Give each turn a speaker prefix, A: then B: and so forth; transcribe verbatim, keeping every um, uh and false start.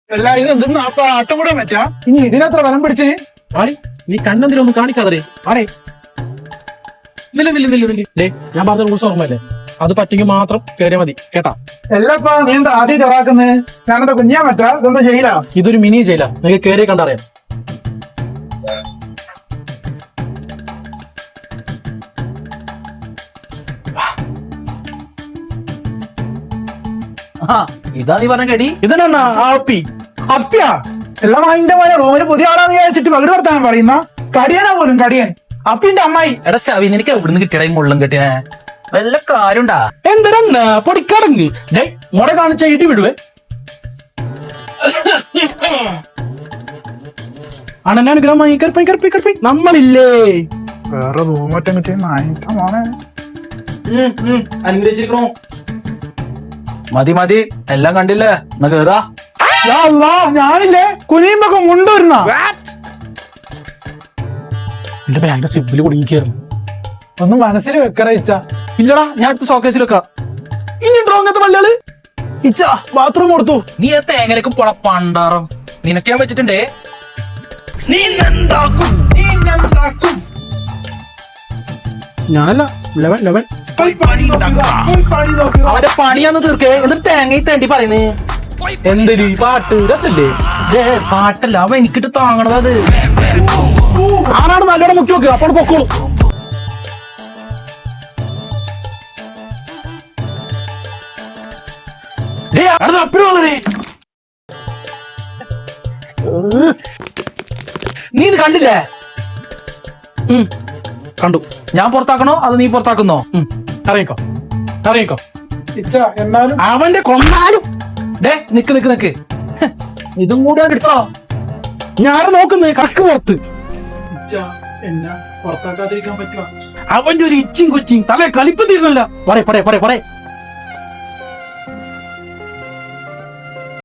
A: അല്ല ഇത് എന്തെന്ന് അപ്പൊ ആട്ടം കൂടെ പറ്റാ ഇനി ഇതിനത്ര ബലം പിടിച്ചിന്
B: ആടി നീ കണ്ണെന്തിനൊന്നും കാണിക്കാതെ ആടേ നില്ല നില്ല നില്ല നില്ല ഡേ ഞാൻ പറഞ്ഞ റൂൾസ് ഓർമ്മല്ലേ അത് പറ്റിയെങ്കിൽ മാത്രം കയറിയാ മതി കേട്ടാ.
A: എല്ലപ്പാ നീ എന്താ ആദ്യം ചെറാക്കുന്നത്? ഞാനെന്താ കുഞ്ഞാൻ പറ്റാ ഇതെന്താ ചെയ്യില്ല?
B: ഇതൊരു മിനി ജയില നിങ്ങൾക്ക് കയറി കണ്ടറിയാം.
C: ഇതാ നീ പറഞ്ഞ കടി.
B: ഇതന്നെ ആപ്പി
A: അപ്പിയാ എല്ലാം അതിന്റെ പോലെ റോമിന് പുതിയ ആളാന്ന് വിചാരിച്ചിട്ട് പകട് വർത്താനം പറയുന്ന കടിയനാ പോലും കടിയൻ അപ്പിന്റെ അമ്മായി.
C: എടാ ശവി നിനക്ക് എവിടുന്ന് കിട്ടിയടാ ഈ മുള്ളും കെട്ടിയ വല്ല കാര്യണ്ടാ?
B: എന്തിനാ പൊടിക്കടങ്ങ് ഡേ മുട കാണിച്ച ഇടി വിടുവേ. അണനാനുഗ്രഹമായി കറുപ്പി കറുപ്പി കറുപ്പി നമ്മളില്ലേ
A: വേറെ റൂമറ്റം കിട്ടിയ നായിട്ടമാണ്.
C: അനുഗ്രഹിച്ചിരിക്കണോ? മതി മതി എല്ലാം കണ്ടില്ലേ എന്നാ കേറാ.
A: ഞാനില്ലേ കുനിയുമ്പൊക്കെ മുണ്ടുവരുന്ന
B: എന്റെ ബാഗിന്റെ സിബില് കുടുങ്ങിക്കായിരുന്നു.
A: ഒന്ന് മനസ്സിൽ വെക്കറയിച്ച.
B: ഇല്ലടാ ഞാൻ ഇപ്പൊ ഷോക്കേസിൽ വെക്കാം. ഇനിയുണ്ടോ അങ്ങനത്തെ മലയാള്?
A: ഇച്ച ബാത്റൂം കൊടുത്തു.
C: നീ ആ തേങ്ങലേക്ക് പൊള പണ്ടാറം നിനക്ക് ഞാൻ വെച്ചിട്ടുണ്ടേ. നീ എന്താക്കും നീ എന്താക്കും
B: ഞാനല്ല ലെവൻ ലെവൻ
C: അവന്റെ പണിയാന്ന് തീർക്കേ. എന്നിട്ട് തേങ്ങ തേണ്ടി പറയുന്നേ
B: എന്തൊരു പാട്ട് രസല്ലേ?
C: ഏ പാട്ടല്ല അവ എനിക്കിട്ട് താങ്ങണത്. അത്
B: ആരാണ് നല്ലോണം മുക്കി നോക്കുക അപ്പോൾ പൊക്കോളൂ.
C: നീ ഇത് കണ്ടില്ലേ?
B: കണ്ടു.
C: ഞാൻ പുറത്താക്കണോ അത് നീ പുറത്താക്കുന്നോ?
B: അറിയിക്കോ അറിയിക്കോ
A: ഇച്ച എന്നാലും
B: അവന്റെ കൊന്നാലും
C: ഡേ നിക്ക് നിക്ക് നിക്ക് ഇതും കൂടെ എടുത്തോ.
B: ഞാൻ നോക്കുന്നേ കണക്ക് പുറത്ത്.
A: ഇച്ച എന്നെ പുറത്താക്കാതിരിക്കാൻ പറ്റുക?
B: അവന്റെ ഒരു ഇച്ചിങ് കൊച്ചിങ് തലേ കളിപ്പ് തീർന്നല്ല. പറയ പറയ പറയ പറയ